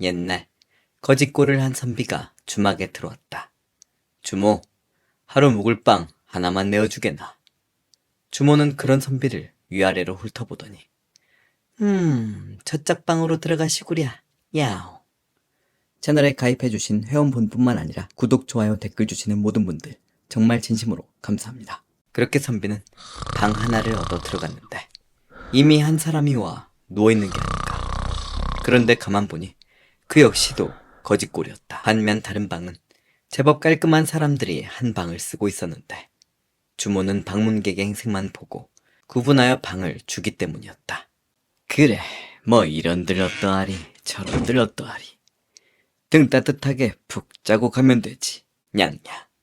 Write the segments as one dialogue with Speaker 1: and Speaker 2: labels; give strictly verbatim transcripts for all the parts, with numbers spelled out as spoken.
Speaker 1: 옛날 거짓골을 한 선비가 주막에 들어왔다. 주모, 하루 묵을 빵 하나만 내어주게나. 주모는 그런 선비를 위아래로 훑어보더니 음, 저짝 방으로 들어가시구랴. 야오. 채널에 가입해주신 회원분뿐만 아니라 구독, 좋아요, 댓글 주시는 모든 분들 정말 진심으로 감사합니다. 그렇게 선비는 방 하나를 얻어 들어갔는데 이미 한 사람이 와 누워있는 게 아닌가. 그런데 가만 보니 그 역시도 거짓골이었다. 반면 다른 방은 제법 깔끔한 사람들이 한 방을 쓰고 있었는데 주모는 방문객의 행색만 보고 구분하여 방을 주기 때문이었다. 그래, 뭐 이런들 어떠하리 저런들 어떠하리. 등 따뜻하게 푹 자고 가면 되지. 냥냥.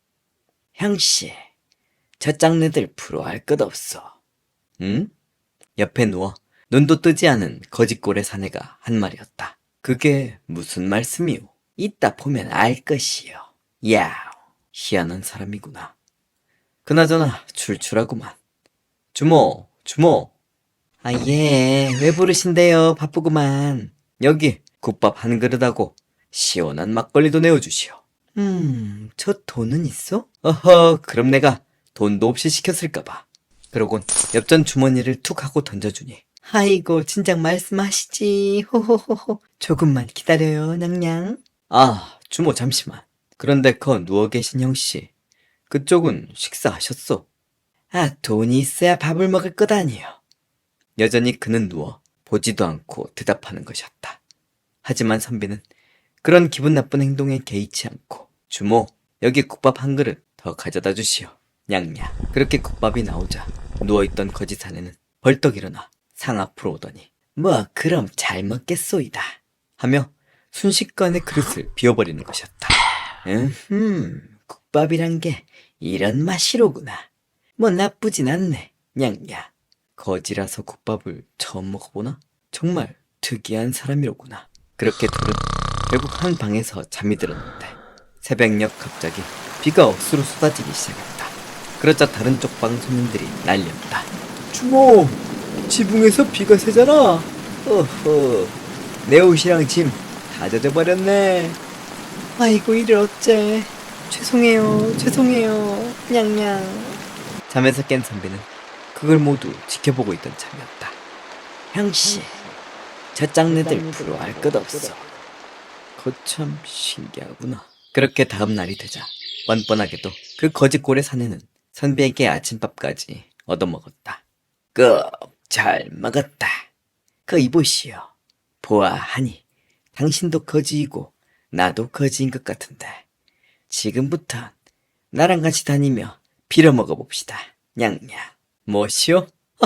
Speaker 1: 형씨, 저 짝네들 부러워할 것 없어. 응? 옆에 누워 눈도 뜨지 않은 거짓골의 사내가 한 말이었다. 그게 무슨 말씀이오? 이따 보면 알 것이요. 야우, 희한한 사람이구나. 그나저나 출출하구만. 주모, 주모. 아, 예, 왜 부르신대요? 바쁘구만. 여기 국밥 한 그릇하고 시원한 막걸리도 내어주시오. 음, 저 돈은 있어? 어허, 그럼 내가 돈도 없이 시켰을까봐. 그러곤 엽전 주머니를 툭 하고 던져주니 아이고, 진작 말씀하시지. 호호호호. 조금만 기다려요, 냥냥. 아, 주모 잠시만. 그런데 거 누워 계신 형씨, 그쪽은 식사하셨소? 아, 돈이 있어야 밥을 먹을 것 아니요. 여전히 그는 누워 보지도 않고 대답하는 것이었다. 하지만 선비는 그런 기분 나쁜 행동에 개의치 않고 주모, 여기 국밥 한 그릇 더 가져다 주시오. 냥냥. 그렇게 국밥이 나오자 누워있던 거짓 사내는 벌떡 일어나 상 앞으로 오더니 뭐 그럼 잘 먹겠소이다 하며 순식간에 그릇을 비워버리는 것이었다. 음흠, 국밥이란 게 이런 맛이로구나. 뭐 나쁘진 않네. 냥냥. 거지라서 국밥을 처음 먹어보나? 정말 특이한 사람이로구나. 그렇게 둘은 결국 한 방에서 잠이 들었는데 새벽녘 갑자기 비가 억수로 쏟아지기 시작했다. 그러자 다른 쪽 방 손님들이 난리였다. 주모, 지붕에서 비가 새잖아. 어허, 내 옷이랑 짐 다 젖어버렸네. 아이고, 이를 어째. 죄송해요, 죄송해요. 냥냥. 잠에서 깬 선비는 그걸 모두 지켜보고 있던 참이었다. 형씨, 저 짝네들 부러워할 것 없어. 거참 신기하구나. 그렇게 다음 날이 되자 뻔뻔하게도 그 거짓골의 사내는 선비에게 아침밥까지 얻어먹었다. 꼭 잘 먹었다. 그 이보시오. 보아하니 당신도 거지이고 나도 거지인 것 같은데 지금부터 나랑 같이 다니며 빌어먹어 봅시다. 냥냥. 뭐시오?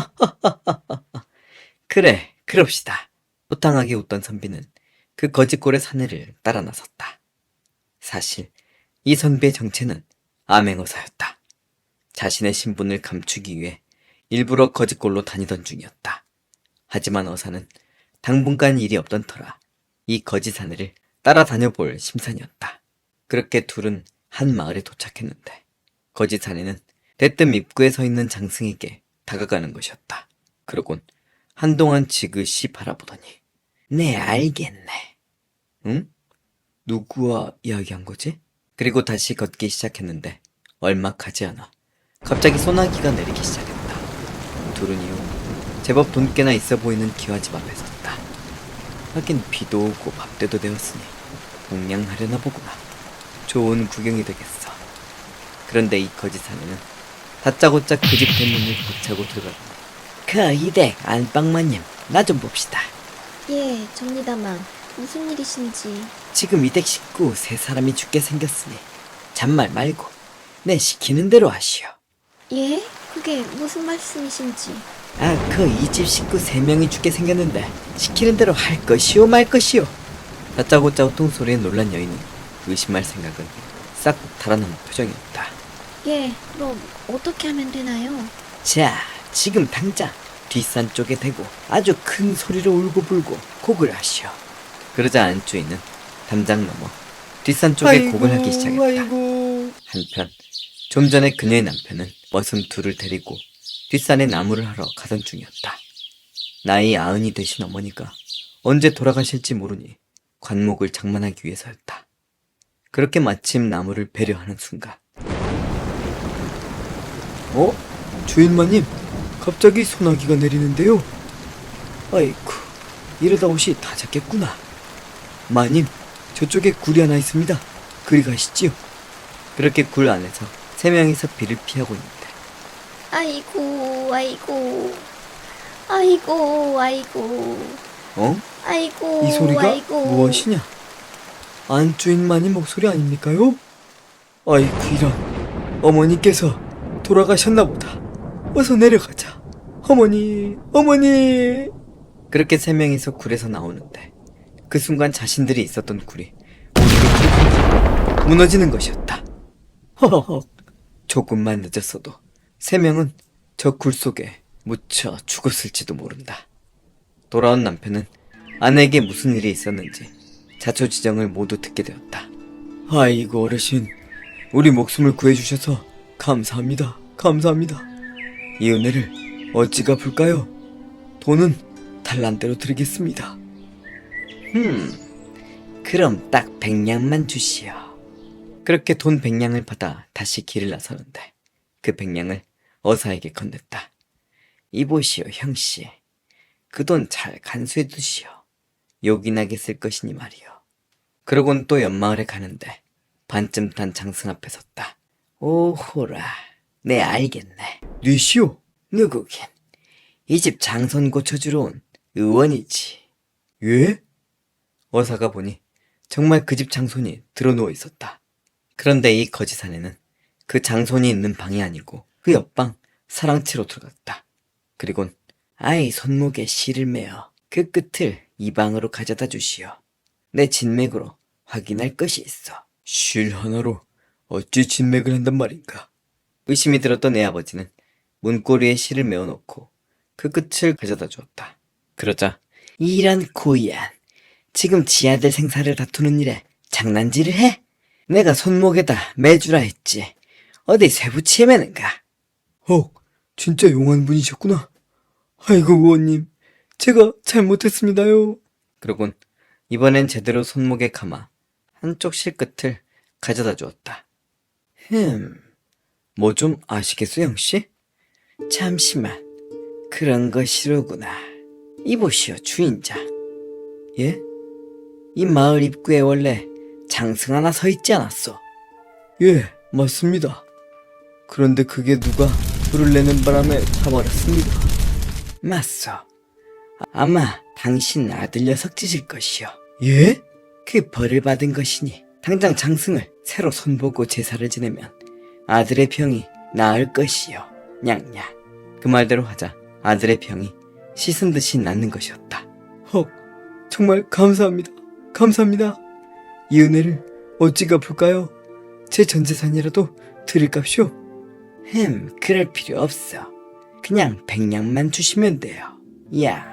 Speaker 1: 그래, 그럽시다. 호탕하게 웃던 선비는 그 거짓골의 사내를 따라 나섰다. 사실 이 선비의 정체는 암행어사였다. 자신의 신분을 감추기 위해 일부러 거짓골로 다니던 중이었다. 하지만 어사는 당분간 일이 없던 터라 이 거짓 사내를 따라다녀볼 심산이었다. 그렇게 둘은 한 마을에 도착했는데 거짓 사내는 대뜸 입구에 서 있는 장승에게 다가가는 것이었다. 그러곤 한동안 지그시 바라보더니 네, 알겠네. 응? 누구와 이야기한 거지? 그리고 다시 걷기 시작했는데 얼마 가지 않아 갑자기 소나기가 내리기 시작했다. 둘은 이후 제법 돈 꽤나 있어 보이는 기와집 앞에 섰다. 하긴 비도 오고 밥때도 되었으니 공양하려나 보구나. 좋은 구경이 되겠어. 그런데 이 거짓 사내는 다짜고짜 그 집 대문을 박차고 들어가더니 그 이댁 안방마님, 나 좀 봅시다.
Speaker 2: 예, 접니다만 무슨 일이신지.
Speaker 1: 지금 이댁 식구 세 사람이 죽게 생겼으니 잔말 말고 내 시키는 대로 하시오.
Speaker 2: 예? 그게 무슨 말씀이신지.
Speaker 1: 아, 그 이 집 식구 세 명이 죽게 생겼는데 시키는 대로 할 것이오 말 것이오. 다짜고짜 호통소리에 놀란 여인은 의심할 생각은 싹 달아난 표정이었다.
Speaker 2: 예, 그럼 어떻게 하면 되나요?
Speaker 1: 자, 지금 당장 뒷산 쪽에 대고 아주 큰 소리로 울고불고 곡을 하시오. 그러자 안주인은 담장 넘어 뒷산 쪽에 아이고, 곡을 하기 시작했다. 아이고. 한편 좀 전에 그녀의 남편은 머슴 둘을 데리고 뒷산에 나무를 하러 가던 중이었다. 나이 아흔이 되신 어머니가 언제 돌아가실지 모르니 관목을 장만하기 위해서였다. 그렇게 마침 나무를 배려하는 순간, 어? 주인마님, 갑자기 소나기가 내리는데요. 아이쿠, 이러다 옷이 다 젖겠구나. 마님, 저쪽에 굴이 하나 있습니다. 그리 가시지요. 그렇게 굴 안에서 세 명이서 비를 피하고 있는데,
Speaker 2: 아이고, 아이고, 아이고, 아이고,
Speaker 1: 어?
Speaker 2: 아이고,
Speaker 1: 이 소리가
Speaker 2: 아이고.
Speaker 1: 무엇이냐? 안주인마님 목소리 아닙니까요? 아이쿠, 이런. 어머니께서 돌아가셨나 보다. 어서 내려가자. 어머니, 어머니. 그렇게 세 명이서 굴에서 나오는데, 그 순간 자신들이 있었던 굴이 우르르 무너지는 것이었다. 허허허. 조금만 늦었어도 세 명은 저 굴 속에 묻혀 죽었을지도 모른다. 돌아온 남편은 아내에게 무슨 일이 있었는지 자초지정을 모두 듣게 되었다. 아이고, 어르신, 우리 목숨을 구해주셔서 감사합니다. 감사합니다. 이 은혜를 어찌 갚을까요? 돈은 달란대로 드리겠습니다. 음, 그럼 딱 백냥만 주시오. 그렇게 돈 백냥을 받아 다시 길을 나서는데, 그 백냥을 어사에게 건넸다. 이보시오, 형씨. 그 돈 잘 간수해 두시오. 욕이 나게 쓸 것이니 말이오. 그러곤 또 옆마을에 가는데 반쯤 탄 장승 앞에 섰다. 오호라, 네 알겠네. 뉘시오? 누구긴? 이 집 장손 고쳐주러 온 의원이지. 예? 어사가 보니 정말 그 집 장손이 드러누워 있었다. 그런데 이 거짓 아내는 그 장손이 있는 방이 아니고 그 옆방 사랑채로 들어갔다. 그리곤 아이 손목에 실을 매어 그 끝을 이 방으로 가져다 주시오. 내 진맥으로 확인할 것이 있어. 실 하나로 어찌 진맥을 한단 말인가? 의심이 들었던 애 아버지는 문고리에 실을 메어놓고 그 끝을 가져다 주었다. 그러자 이런 고얀, 지금 지 아들 생사를 다투는 일에 장난질을 해? 내가 손목에다 매주라 했지. 어디 쇠붙이에 매는가? 헉, 진짜 용한 분이셨구나. 아이고, 의원님, 제가 잘못했습니다요. 그러곤 이번엔 제대로 손목에 감아 한쪽 실끝을 가져다 주었다. 흠, 뭐 좀 아시겠어, 형씨? 잠시만, 그런 것이로구나. 이보시오, 주인장. 예? 이 마을 입구에 원래 장승 하나 서 있지 않았어? 예, 맞습니다. 그런데 그게 누가 불을 내는 바람에 타버렸습니다. 맞소. 아마 당신 아들 녀석 짓일 것이오. 예? 그 벌을 받은 것이니 당장 장승을 새로 손보고 제사를 지내면 아들의 병이 나을 것이오. 냥냥. 그 말대로 하자 아들의 병이 씻은 듯이 낫는 것이었다. 헉, 정말 감사합니다. 감사합니다. 이 은혜를 어찌 갚을까요? 제 전재산이라도 드릴값이오. 흠, 그럴 필요 없어. 그냥 백냥만 주시면 돼요. 야.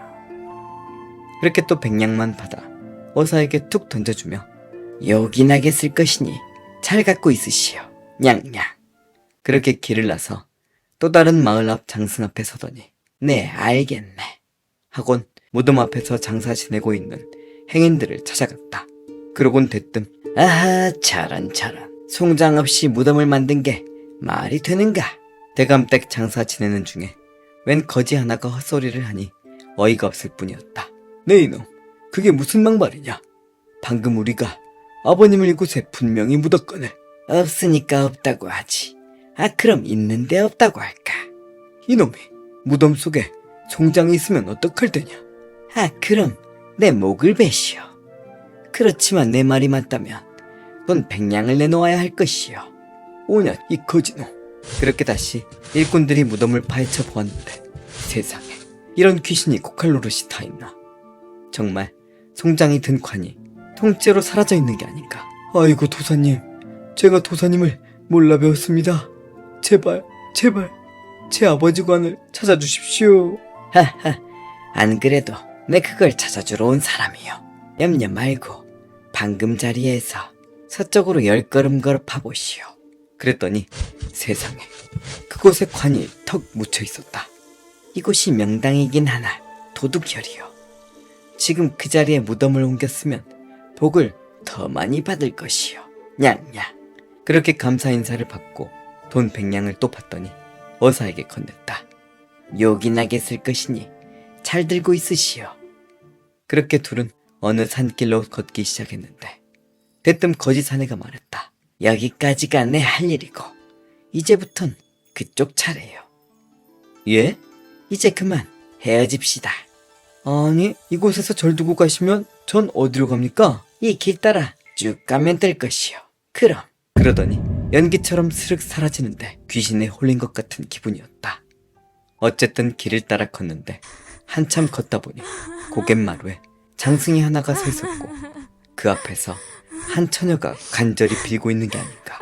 Speaker 1: 그렇게 또 백냥만 받아 어사에게 툭 던져주며 요긴하게 쓸 것이니 잘 갖고 있으시오. 냥냥. 그렇게 길을 나서 또 다른 마을 앞 장승 앞에 서더니 네, 알겠네 하곤 무덤 앞에서 장사 지내고 있는 행인들을 찾아갔다. 그러곤 대뜸 아하, 저런 저런, 송장 없이 무덤을 만든 게 말이 되는가? 대감댁 장사 지내는 중에 웬 거지 하나가 헛소리를 하니 어이가 없을 뿐이었다. 네 이놈, 그게 무슨 막말이냐? 방금 우리가 아버님을 이곳에 분명히 묻었거늘. 없으니까 없다고 하지. 아, 그럼 있는데 없다고 할까? 이놈이 무덤 속에 송장이 있으면 어떡할 테냐? 아, 그럼 내 목을 베시오. 그렇지만 내 말이 맞다면 넌 백냥을 내놓아야 할 것이오. 오냐, 이 거지놈. 그렇게 다시 일꾼들이 무덤을 파헤쳐 보았는데 세상에, 이런 귀신이 고칼 노릇이 다 있나? 정말 송장이 든 관이 통째로 사라져 있는 게 아닌가? 아이고, 도사님, 제가 도사님을 몰라 배웠습니다. 제발, 제발 제 아버지 관을 찾아주십시오. 하하, 안 그래도 내 그걸 찾아주러 온 사람이요. 염려 말고 방금 자리에서 서쪽으로 열 걸음 걸어 파보시오. 그랬더니 세상에, 그곳에 관이 턱 묻혀 있었다. 이곳이 명당이긴 하나 도둑혈이요. 지금 그 자리에 무덤을 옮겼으면 복을 더 많이 받을 것이요. 냥냥. 그렇게 감사 인사를 받고 돈 백냥을 또 받더니 어사에게 건넸다. 요긴하게 쓸 것이니 잘 들고 있으시오. 그렇게 둘은 어느 산길로 걷기 시작했는데 대뜸 거지 사내가 말했다. 여기까지가 내 할 일이고 이제부턴 그쪽 차례요. 예? 이제 그만 헤어집시다. 아니, 이곳에서 절 두고 가시면 전 어디로 갑니까? 이 길 따라 쭉 가면 될 것이요. 그럼. 그러더니 연기처럼 스륵 사라지는데 귀신에 홀린 것 같은 기분이었다. 어쨌든 길을 따라 걷는데 한참 걷다 보니 고갯마루에 장승이 하나가 서 있었고 그 앞에서 한 처녀가 간절히 빌고 있는 게 아닌가.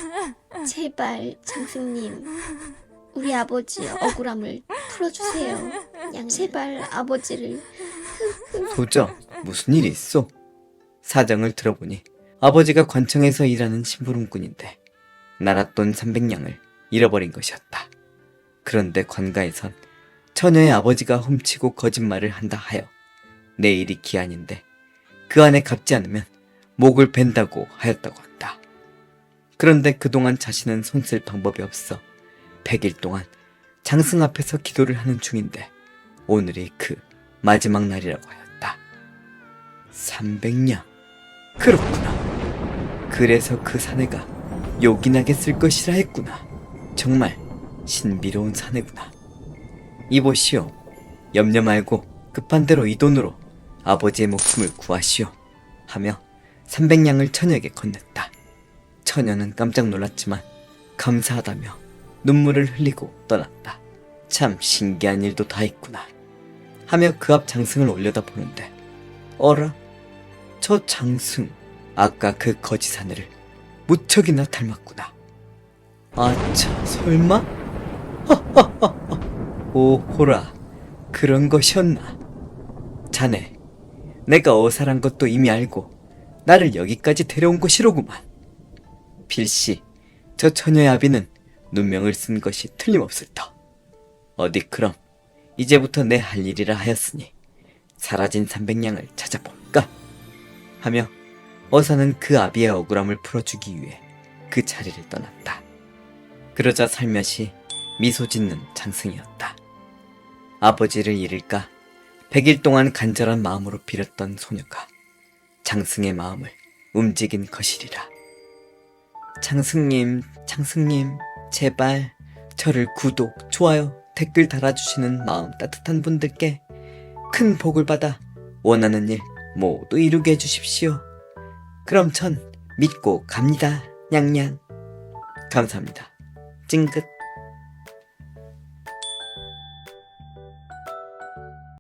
Speaker 2: 제발 장승님, 우리 아버지 억울함을 풀어주세요. 양 제발 아버지를.
Speaker 1: 도저 무슨 일이 있어? 사정을 들어보니 아버지가 관청에서 일하는 심부름꾼인데 날았돈 삼백냥을 잃어버린 것이었다. 그런데 관가에선 처녀의 아버지가 훔치고 거짓말을 한다 하여 내일이 기한인데 그 안에 갚지 않으면 목을 벤다고 하였다고 한다. 그런데 그동안 자신은 손쓸 방법이 없어 백일 동안 장승 앞에서 기도를 하는 중인데 오늘이 그 마지막 날이라고 하였다. 삼백냥. 그렇구나. 그래서 그 사내가 요긴하게 쓸 것이라 했구나. 정말 신비로운 사내구나. 이보시오. 염려 말고 급한 대로 이 돈으로 아버지의 목숨을 구하시오. 하며 삼백냥을 처녀에게 건넸다. 처녀는 깜짝 놀랐지만 감사하다며 눈물을 흘리고 떠났다. 참 신기한 일도 다 있구나. 하며 그 앞 장승을 올려다보는데 어라? 저 장승, 아까 그 거지 사내를 무척이나 닮았구나. 아차, 설마? 하하하하. 오호라, 그런 것이었나? 자네, 내가 어사란 것도 이미 알고 나를 여기까지 데려온 것이로구만. 필시 저 처녀의 아비는 눈명을 쓴 것이 틀림없을 터. 어디 그럼 이제부터 내 할 일이라 하였으니 사라진 삼백냥을 찾아볼까? 하며 어사는 그 아비의 억울함을 풀어주기 위해 그 자리를 떠났다. 그러자 살며시 미소 짓는 장승이었다. 아버지를 잃을까 백일 동안 간절한 마음으로 빌었던 소녀가 장승의 마음을 움직인 것이리라. 장승님, 장승님, 제발 저를 구독, 좋아요, 댓글 달아주시는 마음 따뜻한 분들께 큰 복을 받아 원하는 일 모두 이루게 해주십시오. 그럼 전 믿고 갑니다. 냥냥. 감사합니다. 찡긋.